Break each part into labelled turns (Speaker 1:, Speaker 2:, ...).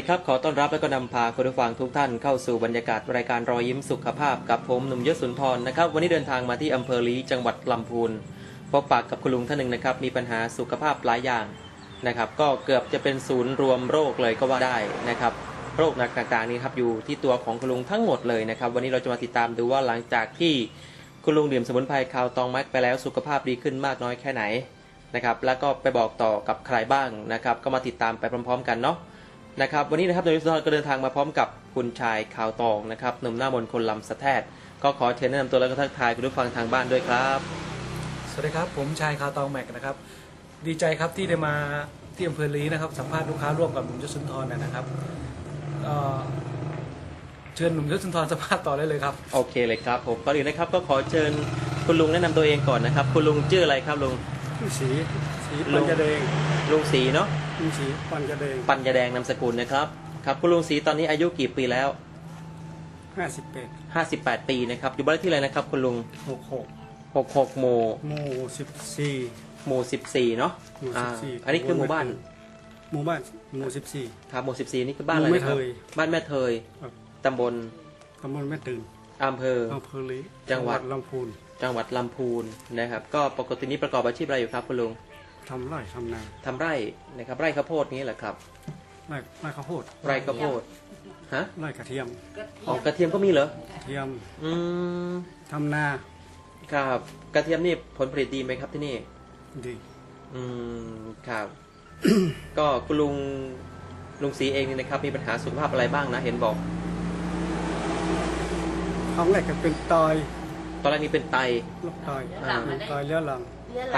Speaker 1: ดีครับขอต้อนรับและก็นำพาคุณผู้ฟังทุกท่านเข้าสู่บรรยากาศรายการรอยยิ้มสุขภาพกับผมหนุ่มยศสุนทรนะครับวันนี้เดินทางมาที่อำเภอลี้จังหวัดลำพูนพบปะกับคุณลุงท่านหนึ่งนะครับมีปัญหาสุขภาพหลายอย่างนะครับก็เกือบจะเป็นศูนย์รวมโรคเลยก็ว่าได้นะครับโรคต่างๆนี้ครับอยู่ที่ตัวของคุณลุงทั้งหมดเลยนะครับวันนี้เราจะมาติดตามดูว่าหลังจากที่คุณลุงดื่มสมุนไพรคาวตองแม็กไปแล้วสุขภาพดีขึ้นมากน้อยแค่ไหนนะครับแล้วก็ไปบอกต่อกับใครบ้างนะครับก็มาติดตามไปพร้อมๆกันเนาะนะครับวันนี้นะครับนายวิศวก็เดินทางมาพร้อมกับคุณชายขาวตองนะครับหนุ่มหน้ามนต์คนลำสะแทดก็ขอเชิญแนะนำตัวแล้วก็ทักทายคุณผู้ฟังทางบ้านด้วยครับ
Speaker 2: สวัสดีครับผมชายขาวตองแม็กนะครับดีใจครับที่ได้มาที่อำเภอลี้นะครับสัมภาษณ์ลูกค้าร่วมกับหนุ่มยศสุนทรนะครับเชิญหนุ่มยศสุนทรสัมภาษณ์ต่อได้เลยครับ
Speaker 1: โอเคเลยครับผมก่อนอื่นนะครับก็ขอเชิญคุณลุงแนะนำตัวเองก่อนนะครับคุณลุงชื่ออะไรครับลุง
Speaker 2: สีปัญญาแดง
Speaker 1: ลุงสีเนาะ
Speaker 2: ลุงสีปัญญาแดง
Speaker 1: นามสกุลนะครับครับคุณลุงสีตอนนี้อายุกี่ปีแล้ว58ปีนะครับอยู่บ้านที่อะไรนะครับคุณลุง66หมู่14เนาะอันนี้คือหมู่บ้าน14ครับหมู่14นี่คือบ้านอะไรนะครับบ้านแม่เทยตำบล
Speaker 2: แม่ตื่น
Speaker 1: อำเภอ
Speaker 2: ลี้
Speaker 1: จังหวัด
Speaker 2: ลำพูน
Speaker 1: นะครับก็ปกตินี้ประกอบอาชีพอะไรอยู่ครับคุณลุง
Speaker 2: ทำไร่ทำนา
Speaker 1: ทำไร่นะครับไร่ข้าวโพดนี้แหละครับ
Speaker 2: ไร่ข้าวโพด
Speaker 1: ฮะ
Speaker 2: ไร่กระเทียม
Speaker 1: อ๋อกระเทียมก็มีเหรอก
Speaker 2: ระเทียมทำนา
Speaker 1: ครับกระเทียมนี่ผลผลิตดีไหมครับที่นี่
Speaker 2: ดี
Speaker 1: ครับ ก็คุณลุงศรีเองนี่นะครับมีปัญหาสุขภาพอะไรบ้างนะเห็นบอก
Speaker 2: ครั้งแรกก็เป็นตอน
Speaker 1: แรกนี่เป็นไต
Speaker 2: เรื้อรัง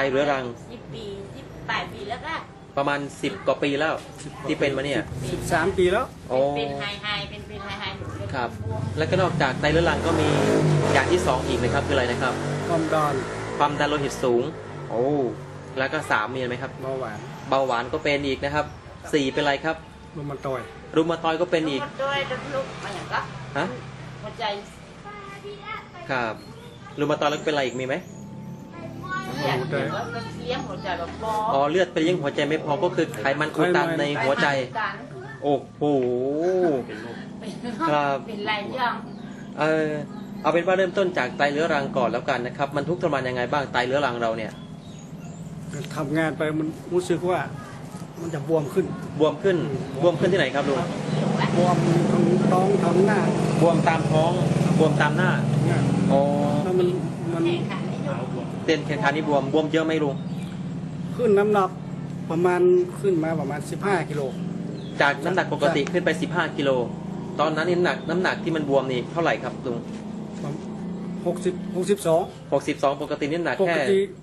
Speaker 3: 18 ปีแล้วก็
Speaker 1: ประมาณ10กว่าปีแล้วที่เป็นมาเนี่ย
Speaker 2: 13 ปีแล้ว
Speaker 3: เป็นไฮ
Speaker 1: ครับ แล้วก็นอกจากไตเรื้อรังก็มีอย่างที่2อีกนะครับคืออะไรนะครับ
Speaker 2: ความ
Speaker 1: ดันโลหิตสูงโอ้แล้วก็3มีไหมครับ
Speaker 2: เบา
Speaker 1: หวานก็เป็นอีกนะครับ4เป็นอะไรครับ
Speaker 2: รูมาตอย
Speaker 1: ก็เป็นอีก
Speaker 3: ลูกมาอย่างก็
Speaker 1: ฮะ
Speaker 3: หัวใจ
Speaker 1: ครับรูมาตอยแล้วเป็นอะไรอีกมีไหม
Speaker 3: เลี้ยงหัวใจแบบ
Speaker 1: เลือดไปเลี้ยงหัวใจไม่พอก็คือไขมันอุดตันในหัวใจโอ้โหครับ
Speaker 3: เป็นไรยัง
Speaker 1: เอาเป็นว่าเริ่มต้นจากไตเรื้อรังก่อนแล้วกันนะครับมันทุกข์ทรมานยังไงบ้างไตเรื้อรังเราเนี่ย
Speaker 2: ทำงานไปมันรู้สึกว่ามันจะบวมขึ้น
Speaker 1: ที่ไหนครับลุง
Speaker 2: บวมทั้งท้องทั้งหน้า
Speaker 1: บวมตามท้องบวมตามหน้า
Speaker 2: แล้วมัน
Speaker 1: เต้นแขนขานี่บวมเยอะไหมลุง
Speaker 2: ขึ้นน้ำหนักขึ้นมาประมาณ15 กิโล
Speaker 1: จากน้ำหนักปกติขึ้นไป15 กิโลตอนนั้นนี่น้ำหนักที่มันบวมนี่เท่าไหร่ครับลุง62ปกตินี่หนักแค่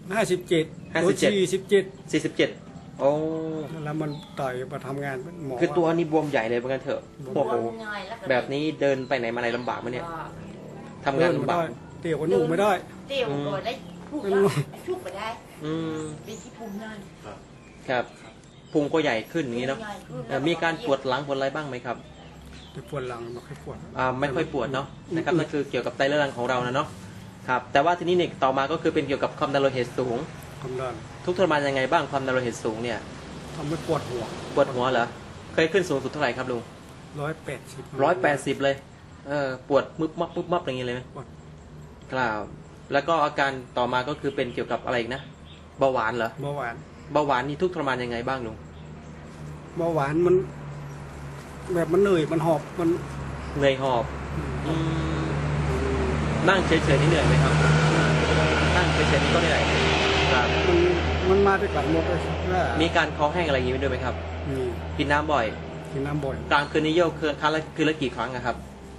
Speaker 1: 47โอ้
Speaker 2: แล้วมันต่อยมาทำงานหมอ
Speaker 1: คือตัวนี้บวมใหญ่เลยเหมือนกันเถอะโอ้โหแบบนี้เดินไปไหนมาไหนลำบากมั้ยเนี่ยทำงานลำบาก
Speaker 2: เตี่ยวก็นุ่งไม่ได้
Speaker 3: เตี่ยวก็ได้ชุบไปได้เป็นที่พุงนั่น
Speaker 1: ครับพุงก็ใหญ่ขึ้นอย่างนี้เนาะมีการปวดหลังปวดอะไรบ้างไหมครับ
Speaker 2: ปวดหลังไม่ค่อยปวด
Speaker 1: เนาะนะครับนั่นคือเกี่ยวกับไตเรื้อรังของเรานะเนาะครับแต่ว่าทีนี้เนี่ยต่อมาก็คือเป็นเกี่ยวกับความดันโลหิตสูงทุกทรมานยังไงบ้างความดันโลหิตสูงเนี่ย
Speaker 2: ทำให้ปวดหัว
Speaker 1: เหรอเคยขึ้นสูงสุดเท่าไหร่ครับลุง180เลยปวดมึบมับอย่างนี้เลยไหมครับแล้วก็อาการต่อมาก็คือเป็นเกี่ยวกับอะไรอีกนะเบาหวานเหรอเบาหวานนี่ทุกทรมานยังไงบ้างลุง
Speaker 2: เบาหวานมันแบบมันเหนื่อยมันหอบมัน
Speaker 1: เหนื่อยหอบนั่งเฉยๆนี่เหนื่อยไหมครับนั่งเฉยๆนี่ก็เหนื่อยครับ
Speaker 2: มันมาด้วยกันหมดเลย
Speaker 1: มีการคอแห้งอะไรอย่างนี้ด้วยไหมครับกินน้ำบ่อยกลางคืนนี้เยี่ยวคืนละกี่ครั้งครับ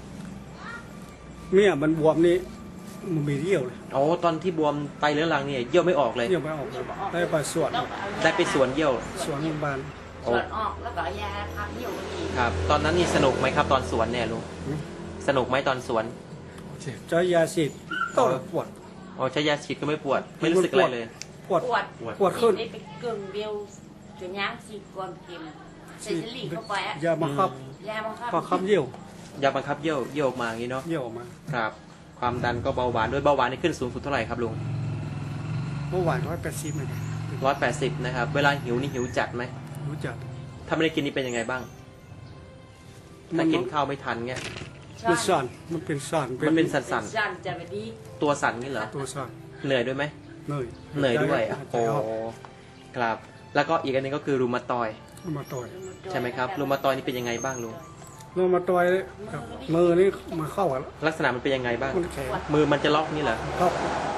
Speaker 2: เนี่ยมันบวมนี่มันมีเยี่ยวเลย
Speaker 1: ตอนที่บวมไตเรื้อรังเนี่ยเยี่ยวไม่ออกเลย
Speaker 2: ได้ไปสวน
Speaker 1: เยี่ยว
Speaker 2: สวนโรงพยาบาล
Speaker 3: สวนออกแล้วก็ยาพักเยี่ยว
Speaker 1: ครับตอนนั้นนี่สนุกไหมครับตอนสวนเนี่ยลุงสนุกไหมตอนสวน
Speaker 2: ใช้ยาฉีดก็ปวด
Speaker 1: ใช้ยาฉีดก็ไม่ปวดไม่รู้สึกอะไรเลย
Speaker 2: ปวดขึ้น
Speaker 3: ได้ไปเกินเบลจะย่างฉีดก่อนเข็มใส่สลีเข้าไป
Speaker 2: ยาบังคับเยี่ยวย
Speaker 1: าบังคับเยี่ยวออกมาอย่างนี้เนาะ
Speaker 2: เยี่ยวออกมา
Speaker 1: ครับความดันก็เบาหวานด้วยเบาหวานนี่ขึ้นสูงสุดเท่าไหร่ครับลุง
Speaker 2: เบาหวาน180เลย
Speaker 1: 180นะครับเวลาหิวนี่หิวจัดไหม
Speaker 2: หิวจัด
Speaker 1: ถ้าไม่ได้กินนี่เป็นยังไงบ้างถ้ากินข้าวไม่ทันเงี้ย
Speaker 4: เป็นสั่นมันเป็นสั่น
Speaker 1: มันเป็นสั
Speaker 3: สั่
Speaker 1: น
Speaker 3: นจะไปดี
Speaker 1: ๆตัวสั่นงี้เหรอ
Speaker 4: ตัวสั่น
Speaker 1: เหนื่อยด้วยไหม
Speaker 4: เหนื่อย
Speaker 1: เหนื่อยด้วย
Speaker 4: หาใจ
Speaker 1: โอ้
Speaker 4: ออก
Speaker 1: ครับ แล้วก็อีกอันหนึงก็คือรูมาตอยด์
Speaker 4: เอามาต่อย
Speaker 1: ใช่ไหมครับรูมาตอยด์นี่เป็นยังไงบ้างลุง
Speaker 4: เรามาต่อยกับมือนี่มาเข้ากันแล้ว
Speaker 1: ลักษณะมันเป็นยังไงบ้าง
Speaker 4: มันแข็ง
Speaker 1: มือมันจะล็อกนี่เหรอ
Speaker 4: เข้าก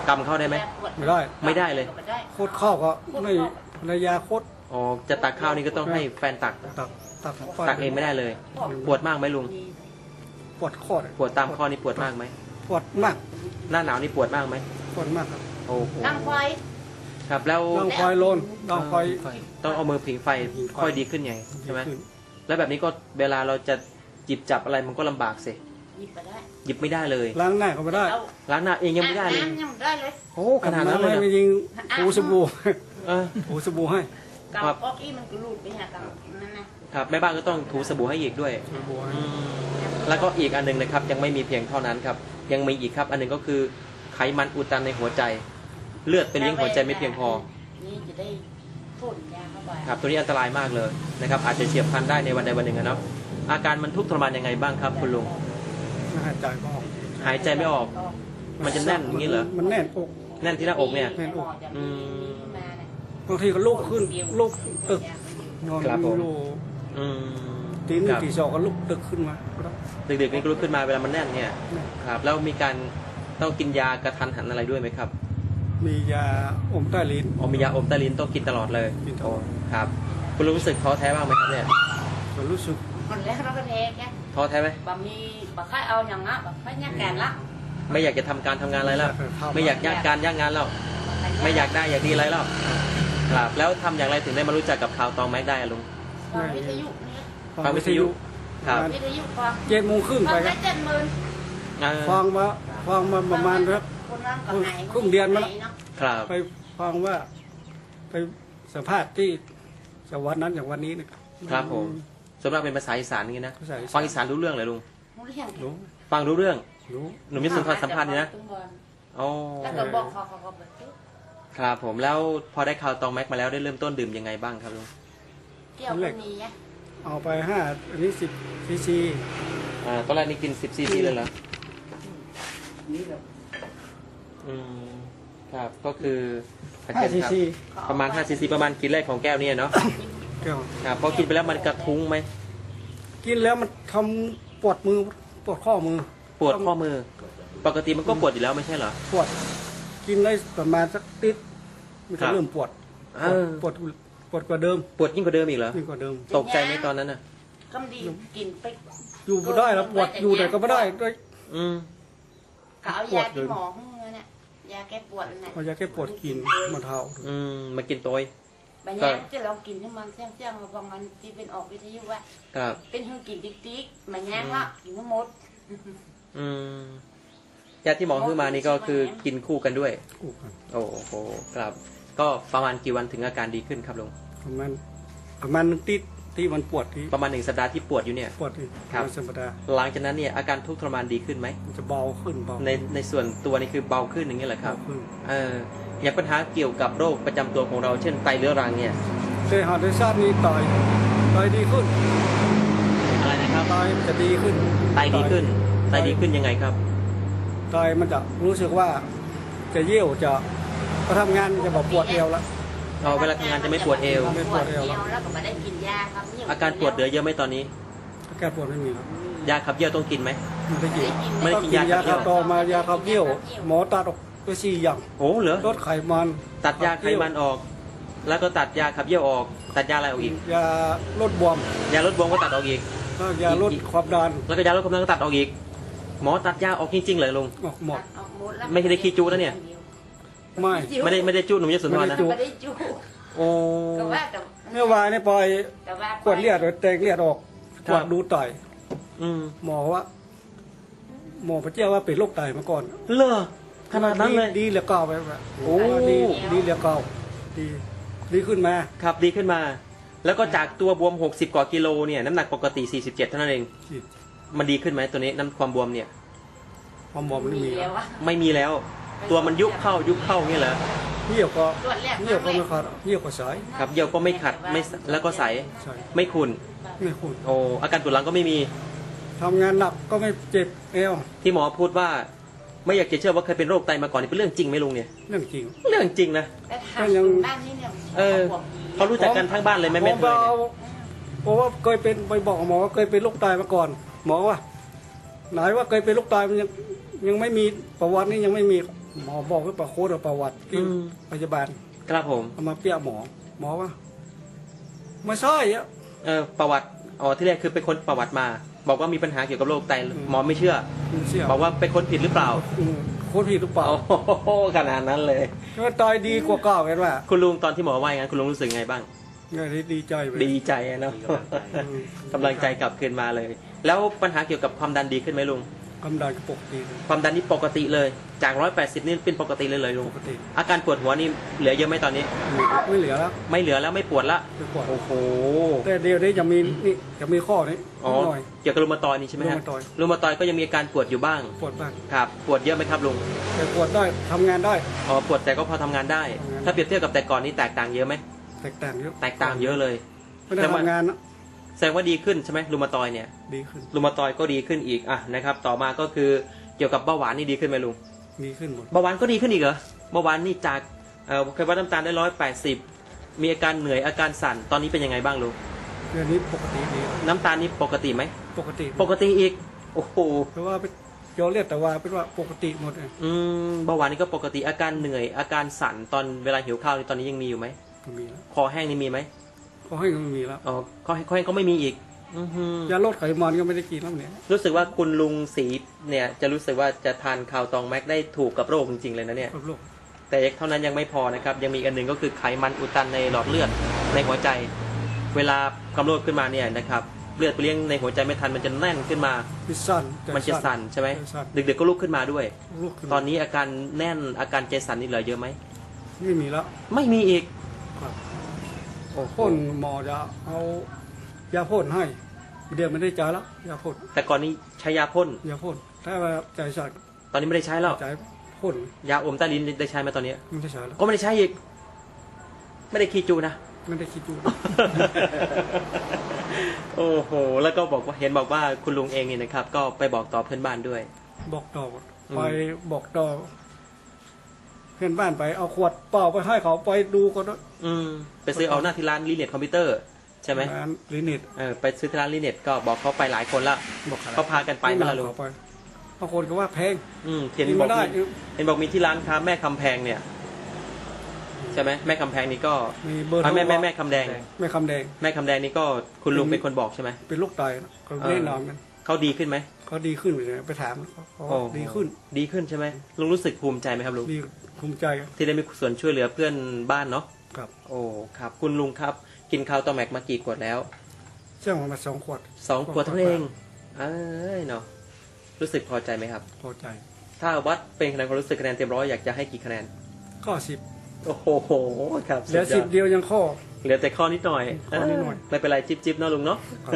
Speaker 1: ำเข้าได้ไหม
Speaker 4: ไม่ได้
Speaker 1: ไม่ได้เลย
Speaker 4: โคตรเข้าก็ไม่ภรรยาโคตร
Speaker 1: อ๋อจะตักข้าวนี่ก็ต้องให้แฟนตัก
Speaker 4: ตักตัก
Speaker 1: ตักเองไม่ได้เลย ปวดมากไหมลุง
Speaker 4: ปวดข้อเลย
Speaker 1: ปวดตามข้อนี่ปวดมากไหม
Speaker 4: ปวดมาก
Speaker 1: หน้าหนาวนี่ปวดมากไหม
Speaker 4: ปวดมากครับ
Speaker 1: โอ้โห
Speaker 3: ตั้งไฟ
Speaker 1: ครับแล้ว
Speaker 4: ต้องคอยโลนต้องคอย
Speaker 1: ต้องเอามือผิงไฟค่อยดีขึ้นไงใช่ไหม
Speaker 4: ขึ้น
Speaker 1: แล้วแบบนี้ก็เวลาเราจะหยิบจับอะไรมันก็ลำบากสิ
Speaker 3: หยิบไปได้
Speaker 1: หยิบไม่ได้เลย
Speaker 4: ล้างหน้าก็ไม่ได้
Speaker 3: เอา
Speaker 1: ล้างหน้าเองยังไม่ได้เลย
Speaker 3: อาบน้ำยังไม่ได้เลย
Speaker 4: โอ้
Speaker 1: ขนาดนั้นเลยเหรอ
Speaker 4: ไม่ยิงถูสบู่
Speaker 1: เออ
Speaker 4: ถูสบู่ให้
Speaker 3: กับออกอีมันก็รูดไปหากับนั่นนะครับ
Speaker 1: แม่บ้านก็ต้องถูสบู่ให้อีกด้วย
Speaker 4: สบู่ให้
Speaker 1: อืมแล้วก็อีกอันหนึงนะครับยังไม่มีเพียงเท่านั้นครับยังมีอีกครับอันหนึงก็คือไขมันอุดตันในหัวใจ เลือดไปเลี้ยงหัวใจไม่เพียงพอ
Speaker 3: นี่จะได้พ่นยาเข้าไป
Speaker 1: ครับตัวนี้อันตรายมากเลยนะครับอาจจะเฉียบพลันได้ในวันใดวันหนึ่งอะเนาะอาการมันทุกข์ทรมานยังไงบ้างครับคุณลุง
Speaker 4: ไม่หายใจก็ออก
Speaker 1: หายใจไม่ออก มันจะแน่นอย่างนี้เหรอ
Speaker 4: มันแน่นอก
Speaker 1: แน่นที่หน้าอกเนี่ย
Speaker 4: แน่นอก
Speaker 1: อืม
Speaker 4: บางทีก็ลุกขึ้นลุกตึกนอน
Speaker 1: ครับผม
Speaker 4: อยู่
Speaker 1: อืม
Speaker 4: ตีหนึ่
Speaker 1: ค
Speaker 4: ง
Speaker 1: รับ
Speaker 4: ตีสองก็ลุกตึกขึ้นมา
Speaker 1: ดึกๆนี่ก็ลุกขึ้นมาเวลามันแน่นเนี่ยครับแล้วมีการต้องกินยากระทันหันอะไรด้วยไหมครับ
Speaker 4: มียาอมใต้ลิ้น
Speaker 1: อ๋อมียาอมใต้ลิ้นต้องกินตลอดเลย
Speaker 4: กินตลอด
Speaker 1: โอ้ครับคุณลุงรู้สึกท้อแท้บ้างไหมครับเนี่ย
Speaker 4: ก็รู้สึก
Speaker 3: คนแรกเราก็เทแค่
Speaker 1: ท้อแท้ไหม
Speaker 3: บะมีบะค่ายเอาอย่างงั้นบะค่ายยักแกนละ
Speaker 1: ไม่อยากจะทำการทำงานอะไรแล้วไม่อยากยากการยากงานแล้วไม่อยากได้อยากดีอะไรแล้วครับแล้วทำอย่างไรถึงได้มารู้จักกับข่าวตองแม็กได้อะลุง
Speaker 3: ฟังวิทยุนี่
Speaker 1: ฟังวิทยุ ครับ
Speaker 3: วิทยุฟัง
Speaker 4: 7:30
Speaker 3: ฟั
Speaker 4: ไป
Speaker 3: ง
Speaker 4: ค
Speaker 3: ได้
Speaker 4: รับ
Speaker 3: 70,000
Speaker 4: ฟังมาประมาณครับ
Speaker 3: คนนั้นก็หาย
Speaker 4: ครึ่งเดือนมาแล้ว
Speaker 1: ครับ
Speaker 4: ไปฟังว่า ไปสัมภาษณ์ที่จังหวัดนั้นอย่างวันนี้นะครับ
Speaker 1: ครับผมส่วนมากเป็นภาษาอีสานอย่างนี้นะ
Speaker 4: ภาษาอีสาน
Speaker 1: ฟังอีสานรู้เรื่องเลยลุง
Speaker 4: รู้
Speaker 1: ฟังรู้เรื่อง
Speaker 4: รู้
Speaker 1: หนุ่มยศสุนทรสัมภาษณ์นี่นะอ๋อ
Speaker 3: แล้วก็บอกเขาก็แบบ
Speaker 1: ครับผมแล้วพอได้ข่าวตองแม็กมาแล้วได้เริ่มต้นดื่มยังไงบ้างครับลุง
Speaker 3: เกี่ยวกับนี้
Speaker 4: เอาไป5อันนี้10 cc
Speaker 1: ตอนแรกนี่กิน10 ซีซีเลยเหรออืมครับก็คืออาจารย์
Speaker 4: 5
Speaker 1: ครับ
Speaker 4: cc
Speaker 1: ประมาณ5 ซีซีประมาณกินแรกของแก้วเนี่ยเนาะ
Speaker 4: แก้ว
Speaker 1: ครับพอกินไปแล้วมันกระทุ้งไหม
Speaker 4: กินแล้วมันทำปวดมือปวดข้อมือ
Speaker 1: ปวดข้อมือ ปกติมันก็ปวดอยู่แล้วไม่ใช่เหรอ
Speaker 4: ปวด กินได้ประมาณสักติดมัน
Speaker 1: ครั
Speaker 4: จะ
Speaker 1: บ
Speaker 4: เริ่มปวด
Speaker 1: เออ
Speaker 4: ปวดปวดกว่าเดิม
Speaker 1: ปวดยิ่งกว่าเดิมอีกเหรอ
Speaker 4: ยิ่งกว่าเดิม
Speaker 1: ตกใจไหมตอนนั้นน่ะ
Speaker 3: คำดีกินไป
Speaker 4: อยู่ไม่ได้แล้วปวดอยู่ไหนก็ไม่ได้ด้วย
Speaker 1: อืม
Speaker 3: เขาเอายาที่หมอให้เนี่ยยาแก้ปวดนั่นแหละ
Speaker 4: เอายาแก้ปวดกินมาเท้า
Speaker 1: มากินตัว
Speaker 3: บางอย่างจะลองกินให้มันเสี่ยงๆบางวันที่เป็นออกวิทยุว่า
Speaker 1: ครับ
Speaker 3: เป็นหื้อกินติ๊กๆบางอย่างละกินทั้งหมด
Speaker 1: อืมยาที่หมอซื้อมานี่ก็คือกินคู่กันด้วย
Speaker 4: อู้กัน
Speaker 1: โอ้โหครับ ก็ประมาณกี่วันถึงอาการดีขึ้นครับลุง
Speaker 4: ประมาณติดที่มันปวดที่
Speaker 1: ประมาณ1 สัปดาห์ที่ปวดอยู่เนี่ย
Speaker 4: ปวดที่
Speaker 1: ครับ
Speaker 4: มันธรรมดา
Speaker 1: หลังจากนั้นเนี่ยอาการทุกข์ทรมานดีขึ้นไหม
Speaker 4: มันจะเบาขึ้นเบา
Speaker 1: ในส่วนตัวนี่คือเบาขึ้นอย่างนี้เหรอครับ
Speaker 4: เบาขึ้น
Speaker 1: อย่างปัญหาเกี่ยวกับโรคประจำตัวของเราเช่นไตเรื้อรังเนี่ย
Speaker 4: แต่หาได้ชาตินี้ต่อยดีขึ้น
Speaker 1: อะไรนะครับ
Speaker 4: ต่อยมันจะดีขึ้น
Speaker 1: ไตดีขึ้น ไตดีขึ้นยังไงครับ
Speaker 4: ต่อยมันจะรู้สึกว่าจะเยี่ยวจะพอทำงานมันจะบอกปวดเอวแล้ว
Speaker 1: เวลาทำงานจะไม่ปวดเอว
Speaker 4: ไม่ปวดเอว
Speaker 3: แล้วก็ไม่ได้กินยาครับ
Speaker 1: อาการปวดเหลือเยอะไหมตอนนี้
Speaker 4: อาการปวดไม่มีครับ
Speaker 1: ยาขับเยี่ยวต้องกินไหม
Speaker 4: ไม่ได้กิน
Speaker 1: ไม่ได้
Speaker 4: ต้อง
Speaker 1: กิน
Speaker 4: กิน
Speaker 1: ยาย
Speaker 4: า
Speaker 1: ขับเยี่
Speaker 4: ขั
Speaker 1: ยว
Speaker 4: บต่อมายาขับเยี่ยว หมอตัดออกไป4 อย่าง
Speaker 1: โอ้เหรอ
Speaker 4: ลดไขมัน
Speaker 1: ตัดยาไขมันออก แล้วก็ตัดยาขับเยี่ยวออก ตัดยาอะไรออกอีก
Speaker 4: ยาลดบวม
Speaker 1: ยาลดบวมก็ตัดออกอีก
Speaker 4: แล้วยาลดความดัน
Speaker 1: แล้วก็ยาลดความดันก็ตัดออกอีก หมอตัดยาออกจริงๆเลยลุง
Speaker 4: ออกหมด
Speaker 1: ไม่ได้ขี้จู้นะเนี่ย
Speaker 4: ไม่
Speaker 1: ไม่ได้จู้หนุ่มยศสุนทรนะ
Speaker 4: ไม่
Speaker 3: ไม่ได้จู
Speaker 1: โอ้
Speaker 3: ก็ว่าแต่
Speaker 4: เมื่อวานนี่ปล่อย
Speaker 3: แต่ว่า
Speaker 4: ขวดเลือดแตกเลือดออก
Speaker 1: ค
Speaker 4: ข
Speaker 1: รับ
Speaker 4: วดดูไต
Speaker 1: อืม
Speaker 4: หมอว่า หมอพระเจ้าว่าเป็นโรคไตมาก่อน
Speaker 1: เลอขนาดนั้นเลย
Speaker 4: ดีเหลือเก่าไปแบบ
Speaker 1: โอ้
Speaker 4: ดีเหลือเก่าดีขึ้นมา
Speaker 1: ครับดีขึ้นมา แล้วก็จากตัวบวม60 กว่ากิโลเนี่ยน้ำหนักปกติ47เท่านั้นเอง มันดีขึ้นไหมตัวนี้น้ำความบวมเนี่ย
Speaker 4: ความหมอมันไม่มี
Speaker 3: แล้ววะ
Speaker 1: ไม่มีแล้ว ตัวมันยุบเข้าอย่างนี้เหรอ
Speaker 4: เหี่ยวก็
Speaker 3: ตรวจแรก
Speaker 4: เหี่ยวก็ไม่ขาดเหี่ยวก็สาย
Speaker 1: ครับเยี่ยวก็ไม่ขัดไม่แล้วก็ใส
Speaker 4: ใช่
Speaker 1: ไม่ขุ่น
Speaker 4: ไม่คุณ
Speaker 1: โอ้อาการปวดหลังก็ไม่มี
Speaker 4: ทำงานหนักก็ไม่เจ็บเอว
Speaker 1: ที่หมอพูดว่าไม่อยากจะเชื่อว่าเคยเป็นโรคไตมาก่อนนี่เป็นเรื่องจริงไหมลุงเนี่ย
Speaker 4: เรื่องจริง
Speaker 1: เรื่องจริงนะ
Speaker 3: แต่ทางคนบ้านนี่เนี่ย
Speaker 1: เออ เขารู้จักกันทั้งบ้านเลยไหม
Speaker 4: ผ
Speaker 1: แม่
Speaker 4: ม
Speaker 1: เคย
Speaker 4: เอา
Speaker 1: เนี่ย
Speaker 4: เพราะว่าเคยเป็นไปบอกหมอว่าเคยเป็นโรคไตมาก่อน หมอว่าไหนว่าเคยเป็นโรคไตมันยังไม่มีประวัตินี่ยังไม่มีหมอบอกว่าประโคดประวัติที่พยาบาล
Speaker 1: ครับผม
Speaker 4: เอามาเปี้ยหมอว่าไม่ใช่อะ
Speaker 1: ประวัติอ๋อที่แรกคือไปค้นประวัติมา บอกว่ามีปัญหาเกี่ยวกับโรคไตหมอไม่เชื่อ
Speaker 4: ไม่เชื่อ
Speaker 1: บอกว่าไปค้นผิดหรือเปล่า
Speaker 4: โคตรผิดหรือเปล่า
Speaker 1: โอ้โหขนาดนั้นเลย
Speaker 4: ก็ตายดีกว่าเก่ากันว่า
Speaker 1: คุณลุงตอนที่หมอว่าอย่างนั้นคุณลุงรู้สึกไงบ้าง
Speaker 4: เนี่ยดีใจไป
Speaker 1: ดีใจอะเนาะกำลังใจกลับคืนมาเลย แล้วปัญหาเกี่ยวกับความดันดีขึ้นไหมลุง
Speaker 4: กำลังปกติ
Speaker 1: ความดันนี่ปกติเลย จาก 180 นี่เป็นปกติเลยลุง
Speaker 4: ปกติ
Speaker 1: อาการปวดหัวนี่เหลือเยอะไหมตอนนี้
Speaker 4: ไม่เหลือแล้ว
Speaker 1: ไม่เหลือแล้วไม่ปวดละ
Speaker 4: ไม่ปวด
Speaker 1: โอ้โห
Speaker 4: แต่เดี๋ยวนี้จะมีนี่จะมีข้อนี้
Speaker 1: อ๋อ
Speaker 4: หน่อย
Speaker 1: เกี่ยวกับรูมาตอยด์นี่ใช่ไหมฮะ
Speaker 4: รูมาตอยด์
Speaker 1: รูมาตอยด์ก็ยังมีอาการปวดอยู่บ้าง
Speaker 4: ปวดบ้าง
Speaker 1: ครับ ปวดเยอะไหมครับลุง
Speaker 4: แต่ปวดได้ทำงานได้
Speaker 1: อ๋อ ปวดแต่ก็พอทำงานได้
Speaker 4: ทำงาน
Speaker 1: ถ้าเปรียบเทียบกับแต่ก่อนนี่แตกต่างเยอะไหม
Speaker 4: แตกต่างเยอะ
Speaker 1: แตกต่างเยอะเลย
Speaker 4: ไม่ได้ทำงานนะ
Speaker 1: แสดงว่าดีขึ้นใช่ไหมรูมาตอยด์เนี่ย
Speaker 4: ดีขึ้น
Speaker 1: รูมาตอยด์ก็ดีขึ้นอีก อ่ะนะครับ ต่อมาก็คือเกี่ยวกับเบาหวานนี่ดีขึ้นไหมลุง
Speaker 4: ดีขึ้นหมด
Speaker 1: เบาหวานก็ดีขึ้นอีกเหรอ เบาหวานนี่จากเคยวัดน้ำตาลได้180 มีอาการเหนื่อยอาการสั่น ตอนนี้เป็นยังไงบ้างลุง
Speaker 4: เดือนนี้ปกติดี
Speaker 1: น้ำตาลนี่ปกติไหม
Speaker 4: ปกติ
Speaker 1: ปกติอีก โอ้โห
Speaker 4: เพราะว่าไปโยเรียกแต่ว่าเป็นว่าปกติหมดเลย
Speaker 1: เบาหวานนี่ก็ปกติ อาการเหนื่อย อาการสั่นตอนเวลาหิวข้าวนี่ตอนนี้ยังมีอยู่ไหม
Speaker 4: ก็มีแล้ว
Speaker 1: คอแห้งนี่มีไหม
Speaker 4: ก็ให้ก็มีแล้ว
Speaker 1: อ๋อคอแห้งก็ไม่มีอีก
Speaker 4: ยาลดไขมันก็ไม่ได้กินแล้วเนี่ย
Speaker 1: รู้สึกว่าคุณลุงศรีเนี่ยจะรู้สึกว่าจะทานข่าวตองแม็กได้ถูกกับโรคจริงๆเลยนะเนี่ย
Speaker 4: กับโรค
Speaker 1: แต่เท่านั้นยังไม่พอนะครับ ยังมีอีกอันหนึ่งก็คือไขมันอุดตันในหลอดเลือดในหัวใจ เวลาความโรคขึ้นมาเนี่ยนะครับเลือดไปเลี้ยงในหัวใจไม่ทันมันจะแน่นขึ้นมา
Speaker 4: พิซซัน
Speaker 1: มันจะสั่นใช่ไหม
Speaker 4: สั่น
Speaker 1: ดึกๆก็ลุกขึ้นมาด้วย
Speaker 4: ลุกขึ้น
Speaker 1: ตอนนี้อาการแน่นอาการใจสั่นนี่เหลือเยอะไหม
Speaker 4: ไม่มีแล้ว
Speaker 1: ไม่มีอีก
Speaker 4: ครับ
Speaker 1: โอ้โห
Speaker 4: พ่นหมอจะเอายาพ่นให้เดี๋ยวไม่ได้จ่ายแล้วยาพ่น
Speaker 1: แต่ก่อนนี้ใช้ยาพ่น
Speaker 4: ยาพ่นถ้าว่าใจสั่น
Speaker 1: ตอนนี้ไม่ได้ใช้แล้ว
Speaker 4: ใจพ่น
Speaker 1: ยาอมใต้ลิ้นได้ใช้ไหมตอนนี้
Speaker 4: ไม่ได้ใช้แล้ว
Speaker 1: ก็ไม่ได้ใช้อีก ไม่ได้คีจูนะ
Speaker 4: ไม่ได้คิดดู
Speaker 1: โอ้โห แล้วก็บอกว่าเห็นบอกว่าคุณลุงเองนี่นะครับ ก็ไปบอกต่อเพื่อนบ้านด้วย
Speaker 4: บอกต่อไปบอกต่อเพื่อนบ้านไปเอาขวดเปล่าไปให้เขาไปดูก็ได้
Speaker 1: ไปซื้อเอาหน้าที่ร้านรีเน็ตคอมพิวเตอร์ใช่ไหม
Speaker 4: ร้านลินิต
Speaker 1: ไปซื้อที่ร้านรีเน็ตก็บอกเขาไปหลายคนละ
Speaker 4: บอก
Speaker 1: เขาพากันไปไหมล่ะลุง
Speaker 4: เขาไปบางคนก็ว่าแพง
Speaker 1: เห็น
Speaker 4: กิน
Speaker 1: บ
Speaker 4: ไม่
Speaker 1: อก
Speaker 4: ได้
Speaker 1: เห็นบอกมีที่ร้านค้าแม่คำแพงเนี่ย ใช่ไหมแม่คำแพงนี่ก็
Speaker 4: มีเบอร์โทร
Speaker 1: แม่คำแดง
Speaker 4: แม่คำแดง
Speaker 1: แม่คำแดงนี่ก็คุณลุงเป็นคนบอกใช่ไหม
Speaker 4: เป็นลูกไตนะเขาแนะนำกัน
Speaker 1: เขาดีขึ้นไหม
Speaker 4: เขาดีขึ้นเลยไปถามเขาว่าดีขึ้น
Speaker 1: ดีขึ้นใช่ไหมลุงรู้สึกภูมิใจไหมครับลุง
Speaker 4: ดีภูมิใจ
Speaker 1: ที่ได้มีส่วนช่วยเหลือเพื่อนบ้านเนาะ
Speaker 4: ครับ
Speaker 1: โอ้ครับคุณลุงครับ กินข้าวตอแม็กมากี่ขวดแล้ว
Speaker 4: เชื่อมา2 ขวด
Speaker 1: 2 ขวดเท่านั้นเองเอ้ยเนาะรู้สึกพอใจไหมครับ
Speaker 4: พอใจ
Speaker 1: ถ้าวัดเป็นคะแนนความรู้สึกคะแนนเต็มร้อยอยากจะให้กี่คะแนน
Speaker 4: ข้อ
Speaker 1: โอ้โหครับ
Speaker 4: 10เหลือ
Speaker 1: สุดยด
Speaker 4: 10เดียวยังข้อ
Speaker 1: เหลือแต่ข้อนิดหน่อย
Speaker 4: ข้อนิดหน่อย
Speaker 1: ไม่เป็นไรจิบเนาะลุงเนาะ
Speaker 4: ครับ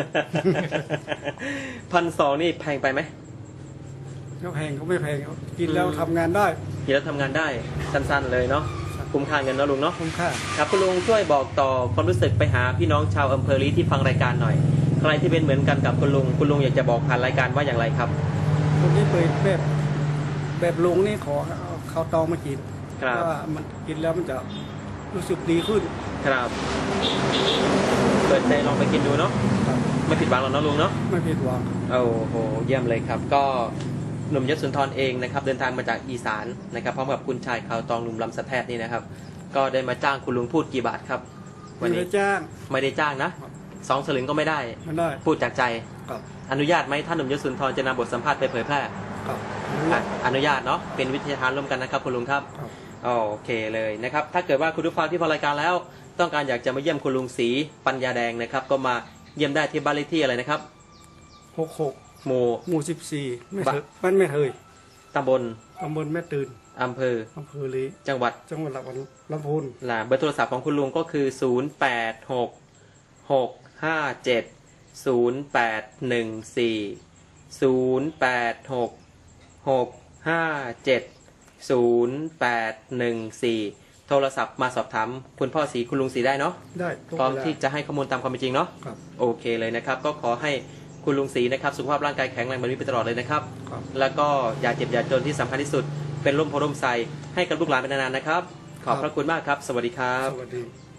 Speaker 1: 1,200นี่แพงไปไหม
Speaker 4: ก็แพงเขาไม่แพงเขากินแล้วทำงานได้
Speaker 1: กินแล้วทำงานได้สั้นๆเลยเนาะคุ้มค่าเงินเนาะลุงเนาะ
Speaker 4: คุ้มค่า
Speaker 1: ครับคุณลุงช่วยบอกต่อความรู้สึกไปหาพี่น้องชาวอำเภอลีที่ฟังรายการหน่อย ใครที่เป็นเหมือนกันกับคุณลุงอยากจะบอกผ่านรายการว่าอย่างไรครับ
Speaker 4: คนที่เปิดแบบลุงนี่ขอเอาข้าวตองมากิน
Speaker 1: ครับ
Speaker 4: เพราะว่ามันกินแล้วมันจะรู้สึกดีขึ้น
Speaker 1: ครับเปิดใจลองไปกินดูเนาะ
Speaker 4: ครับ
Speaker 1: ไม่ผิดหวังหรอกเนาะลุงเนาะ
Speaker 4: ไม่ผิดหวัง
Speaker 1: โอ้โหเยี่ยมเลยครับ ก็หนุ่มยศสุนทรเองนะครับเดินทางมาจากอีสานนะครับพร้อมกับคุณชายขาวตองหนุ่มลำสะแทดนี่นะครับ ก็ได้มาจ้างคุณลุงพูดกี่บาทครับ วัน
Speaker 4: ไม่
Speaker 1: นี้
Speaker 4: ได้จ้าง
Speaker 1: ไม่ได้จ้างนะครับ 2 สลึงก็ไม่ได้
Speaker 4: มันได้
Speaker 1: พูดจากใจ
Speaker 4: ครับ
Speaker 1: อนุญาตไหมท่านหนุ่มยศสุนทรจะนำบทสัมภาษณ์ไปเผยแพร่
Speaker 4: ครับ
Speaker 1: อนุญาตเนาะเป็นวิทยาทานร่วมกันนะครับคุณลุงครับ
Speaker 4: ครับ
Speaker 1: โอเคเลยนะครับถ้าเกิดว่าคุณผู้ฟังที่ฟังรายการแล้ว ต้องการอยากจะมาเยี่ยมคุณลุงศรีปัญญาแดงนะครับก็มาเยี่ยมได้ที่บ้านเลขที่อะไรนะครับ
Speaker 4: 66
Speaker 1: หมู่
Speaker 4: หมู่14ไม่เถยมันไม่เถย
Speaker 1: ตำบล
Speaker 4: ตำบลแม่ตื่น
Speaker 1: อำเภอ
Speaker 4: อำเภอลี
Speaker 1: จังหวัด
Speaker 4: จังหวัดลำพูน
Speaker 1: เบอร์โทรศัพท์ของคุณลุงก็คือ 0866570814 โทรศัพท์มาสอบถามคุณพ่อศรีคุณลุงศรีได้เนาะ
Speaker 4: ได้ทุก
Speaker 1: พร้อม
Speaker 4: เวลา
Speaker 1: ที่จะให้ข้อมูลตามความเป็นจริงเนาะ
Speaker 4: ครับ
Speaker 1: โอเคเลยนะครับ ก็ขอให้คุณลุงศรีนะครับสุขภาพร่างกายแข็งแรงแบบนี้ไปตลอดเลยนะครับ
Speaker 4: ครับ
Speaker 1: แล้วก็อย่าเจ็บอย่าจนที่สำคัญที่สุดเป็นร่มโพร่มไทรให้กับลูกหลานเป็นนานๆนะครับ ขอบพระคุณมากครับ สวัสดีครับ
Speaker 4: สวัสดี